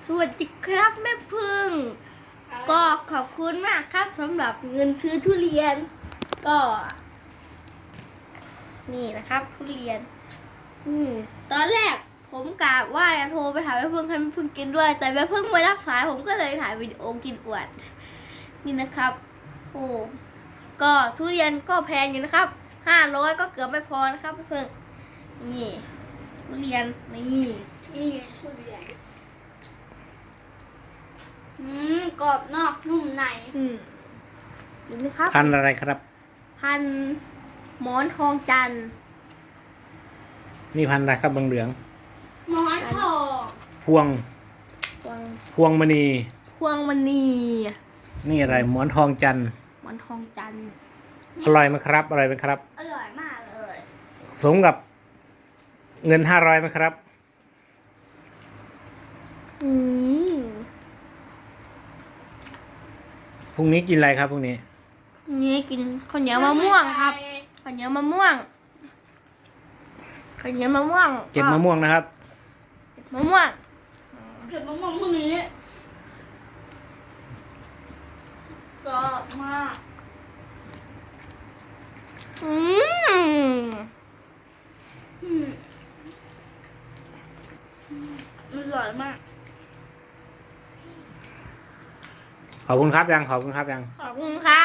สวัสดีครับแม่พึ่งก็ขอบคุณมากครับสำหรับเงินซื้อทุเรียนก็นี่นะครับทุเรียนตอนแรกผมกะว่าจะโทรไปหาแม่พึ่งให้แม่พึ่งกินด้วยแต่แม่พึ่งไม่รับสายผมก็เลยถ่ายวิดีโอกินอวดนี่นะครับโอ้ก็ทุเรียนก็แพงอยู่นะครับ500ก็เกือบไม่พอนะครับแม่พึ่งนี่ทุเรียนนี่ทุเรียนกรอบนอกนุ่มในดูนะครับพันธุ์อะไรครับพันหมอนทองจันทร์นี่พันธุ์อะไรครับเหลืองหมอนทองๆพวงมณีพวงมณีนี่อะไรหมอนทองจันทร์หมอนทองจันทร์อร่อยไหมครับอร่อยไหมครับอร่อยมากเลยสมกับเงิน500ไหมครับ พรุ่งนี้กินอะไรครับพรุ่งนี้นี่กินข้าวเหนียวมะม่วงครับข้าวเหนียวมะม่วงข้าวเหนียวมะม่วงเก็บมะม่วงนะครับมะม่วงเก็บมะม่วงพรุ่งนี้กรอบมากอร่อยมากขอบคุณครับยังขอบคุณครับยังขอบคุณครับ